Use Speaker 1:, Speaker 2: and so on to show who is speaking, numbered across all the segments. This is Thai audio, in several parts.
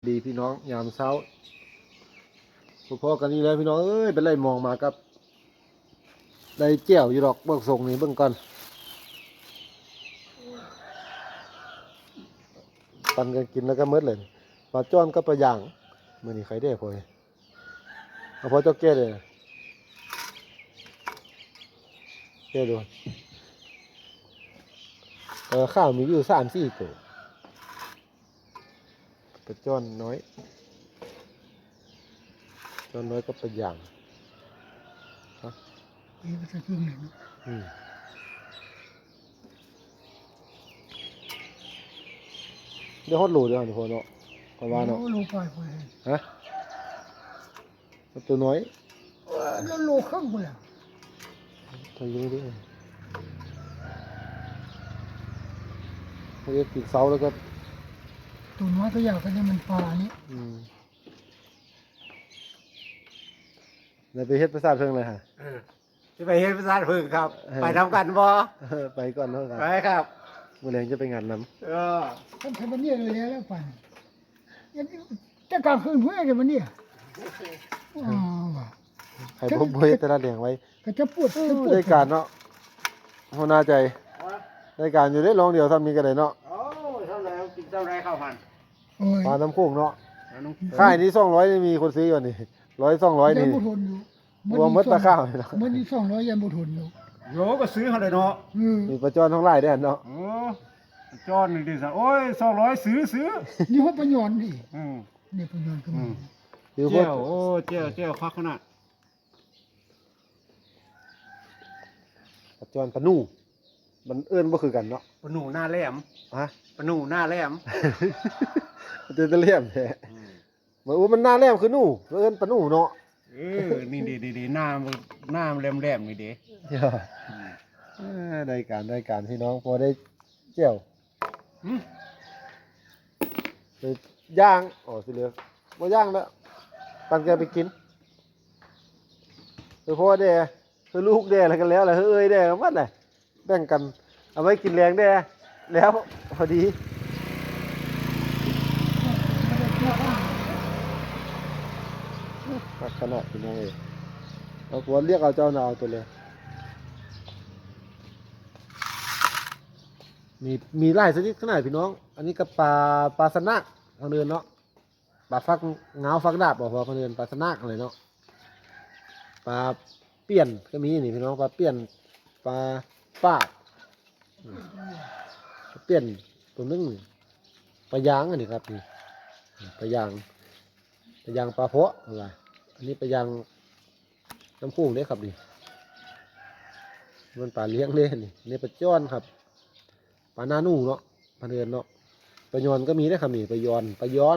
Speaker 1: ดีพี่น้องยามเช้าพอกันนี่แล้วพี่น้องเอ้ยเป็นไรมองมากับได้เจียวอยู่ดอกเบิกส่งนี่เบิ่งก่อนปันกันกินแล้วก็มืดเลยปลาจ้อนก็ปลาย่างมื้อนี้ใครได้พอเอาพอเจ้าแก่เลยแก่ดูข้าวมีอยู่3-4ตัวปลาจ้อนน้อยจนน้อยก็ไปอย่างครับ
Speaker 2: ไปใส่เครื่องเลย
Speaker 1: เดี๋ยวฮอดโหลเดี๋ยวทุกคนเนาะประมาณเนาะ
Speaker 2: โลไป
Speaker 1: ฮะตัวน้อย
Speaker 2: แล้วโลข้างไปแล้ว
Speaker 1: ตัวยิงดิเขาเรียกปีกเสาแล้วก็
Speaker 2: ตัวน้อยก็อยากกันมันปลานี้
Speaker 1: ในไปเฮ็ดประสาทเพิ่งเลยฮะ
Speaker 3: จะไปเฮ็ดประสาทเพิ่งครับไปทำกันบ่
Speaker 1: ไปก่อนเนาะครับ
Speaker 3: ไปครับ
Speaker 1: เมื่อแรงจะไปงานน้
Speaker 2: ำท่านทำมันเนี่ยเลยแล้วไปจะกลางคืนเพื่อจะมันเนี่ย
Speaker 1: ใครพบเฮ็ดแต่ละเลี้ยงไว้
Speaker 2: ก็จะปวด
Speaker 1: ได้การเนาะหัวหน้าใจได้การอยู่ได้ลองเดียวทำนี้ก็ได้เนาะ
Speaker 3: โอ้เท่าไหร่กินเท่าไหร่ข้าวมัน
Speaker 1: ปลาน้ำโขงเนาะค่ายนี้200นี่มีคนซื้ออยู่นี่100-200นี่รวมมัดปลาข้าวเนาะ
Speaker 2: มันนี่200ยังบ่ทนอยู่
Speaker 3: โยก็ซื้อเขาเลยเนาะ
Speaker 1: มีปลาจอนทั้งหลายได้เนาะ
Speaker 3: โอ้จอนนี่ดิซะโอ้ย200ซื้อ
Speaker 2: นี่ว่าปลาหยอนดินี่ปลาหยอนก็มี
Speaker 3: เจียวโอ้เจียวคักขนาด
Speaker 1: ปลาจอนปลาหนูมันเอิ้นบ่คือกันเนาะ
Speaker 3: ปลาหนูหน้าแหลม
Speaker 1: ฮะ
Speaker 3: ปลาหนูหน้าแหลม
Speaker 1: มันจะแหลมแท้เหมือนว่ามันหน้าแหลมคือหนูเอิ้นปลาหนูเนาะ
Speaker 3: นี่ดีหน้าแหลมนี่เด้
Speaker 1: ได้การพี่น้องพอได้เจียวไปย่างอ๋อสิเหลือบ่ย่างแล้วปันแกไปกินพ่อแด่คือลูกแด่อะไรกันแล้วแหละเอ้ยแด่กันหมดเลยแบ่งกันเอาไว้กินแรงแด่แล้วพอดีขนาดพี่น้องเลยเอาหัวเรียกเอาเจ้าหน้าตัวเลยมีหลายชนิดขนาดพี่น้องอันนี้ก็ปลาสนักทางเดินเนาะปลาฟักเงาฟักดาบบอกว่าทางเดินปลาสนักอะไรเนาะปลาเปี้ยนก็มีนี่พี่น้องปลาเปี้ยนปลาป้าเปี้ยนตัวนึงปลายางอันนี้ครับนี่ปลายางปลาเพาะอะไรอันนี้ปลายางน้ำพุ่งเด้ครับนี่มันปลาเลี้ยงเล่นนี่ปลาจ้อนครับปลาหน้าหนูเนาะปลาเดือนเนาะปลายอนก็มีได้ครับนี่ปลายอน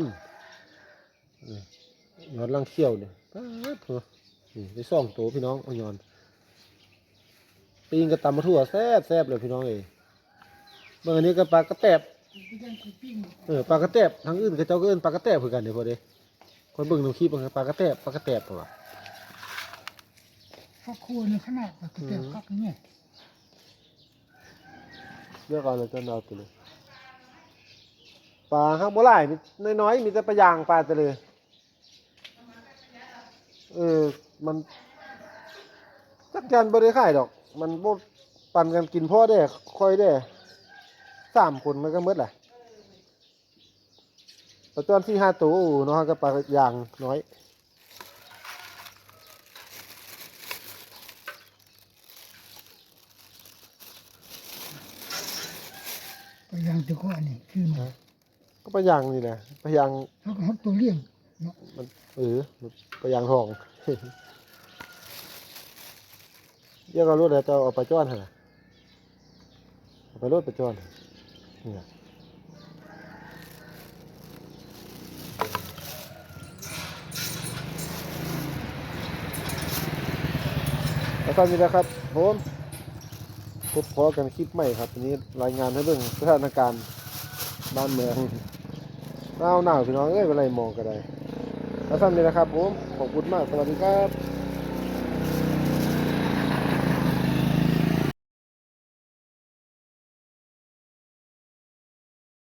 Speaker 1: ลังเขี้ยวเนี่ยนี่ได้2 ตัวพี่น้องเอายอนปีนกระตำมาทั่วแซ่บเลยพี่น้องเอ้ยเมื่อนี้ก็ปลากระแตบปลากระแตบทางอื่นก็เจ้าก็เอิ้นปลากระแตบเหมือนกันเดี๋ยวพอดีคนเบิ่งน้ำขี้ปลากระแตบเปล่า
Speaker 2: ข้าวคั่วในขนาดกระแตบคักนี่
Speaker 1: เลือกเอาเลยจนเอาตัวเลยปลาข้างบ่หลายมีน้อยมีแต่ปลายางปลาแต่เลยมันจักจันบ่ได้ขายดอกมันบ่ปั่นกันกินพ่อได้ค่อยได้3 คนมันก็หมดแหละปลาจ้อน4-5 ตัวเนาะก็ปลายางน้อย
Speaker 2: ปลาหยางตัวอันนี้คือมัน
Speaker 1: ก็ปลายางนี่แหละปลายาง
Speaker 2: เขาก็ตัวเลี้ยงเนาะ
Speaker 1: มันปลายางทองเรียกเอารถเดี๋ยวจะเอาปลาจ้อนเหรอเอาไปรถปลาจ้อนเนี่ยแล้วตอนนี้นะครับผมพบพอกันคลิปใหม่ครับวันนี้รายงานให้เบิ่งสถานการณ์บ้านเมืองหนาวพี่น้องเอ้ยเป็นไรมองกันได้แล้วตอนนี้นะครับผมขอบคุณมากสวัสดีครับ